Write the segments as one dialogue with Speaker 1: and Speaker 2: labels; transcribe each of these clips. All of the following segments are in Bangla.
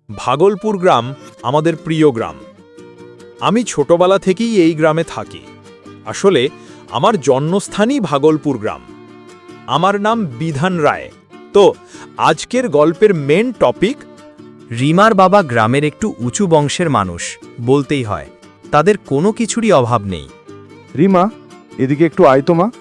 Speaker 1: ভাগলপুর গ্রাম আমাদের প্রিয় গ্রাম। আমি ছোটবেলা থেকেই এই গ্রামে থাকি। আসলে আমার জন্মস্থানই ভাগলপুর গ্রাম। আমার নাম বিধান রায়। তো আজকের গল্পের মেন টপিক।
Speaker 2: রিমার বাবা গ্রামের একটু উঁচু বংশের মানুষ বলতেই হয়, তাদের কোনো কিছুরই অভাব নেই।
Speaker 3: রিমা, এদিকে একটু আয় তো মা।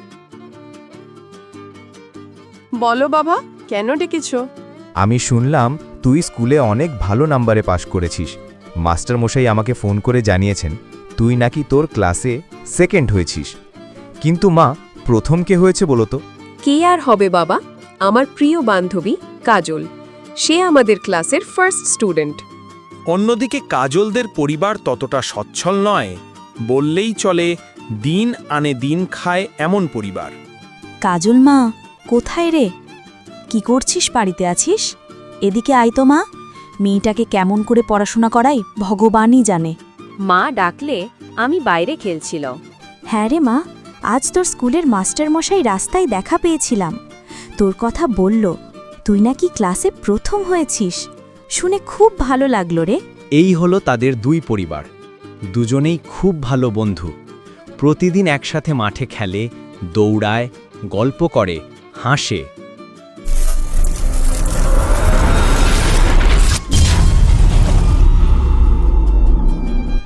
Speaker 4: বলো বাবা, কেন ডেকেছ?
Speaker 5: আমি শুনলাম তুই স্কুলে অনেক ভালো নাম্বারে পাশ করেছিস। মাস্টারমশাই আমাকে ফোন করে জানিয়েছেন তুই নাকি তোর ক্লাসে সেকেন্ড হয়েছিস। কিন্তু মা, প্রথম কে হয়েছে বলো তো?
Speaker 6: কে আর হবে বাবা, আমার প্রিয় বান্ধবী কাজল। সে আমাদের ক্লাসের ফার্স্ট স্টুডেন্ট।
Speaker 1: অন্যদিকে কাজলদের পরিবার ততটা সচ্ছল নয়, বললেই চলে দিন আনে দিন খায় এমন পরিবার।
Speaker 7: কাজল মা, কোথায় রে? কি করছিস? বাড়িতে আছিস? এদিকে আয় তো মা। মেয়েটাকে কেমন করে পড়াশোনা করাই ভগবানই জানে।
Speaker 6: মা ডাকলে আমি বাইরে খেলছিল।
Speaker 7: হ্যাঁ রে মা, আজ তোর স্কুলের মাস্টারমশাই রাস্তায় দেখা পেয়েছিলাম। তোর কথা বলল তুই নাকি ক্লাসে প্রথম হয়েছিস। শুনে খুব ভালো লাগলো রে।
Speaker 2: এই হলো তাদের দুই পরিবার, দুজনেই খুব ভালো বন্ধু। প্রতিদিন একসাথে মাঠে খেলে, দৌড়ায়, গল্প করে, হাসে।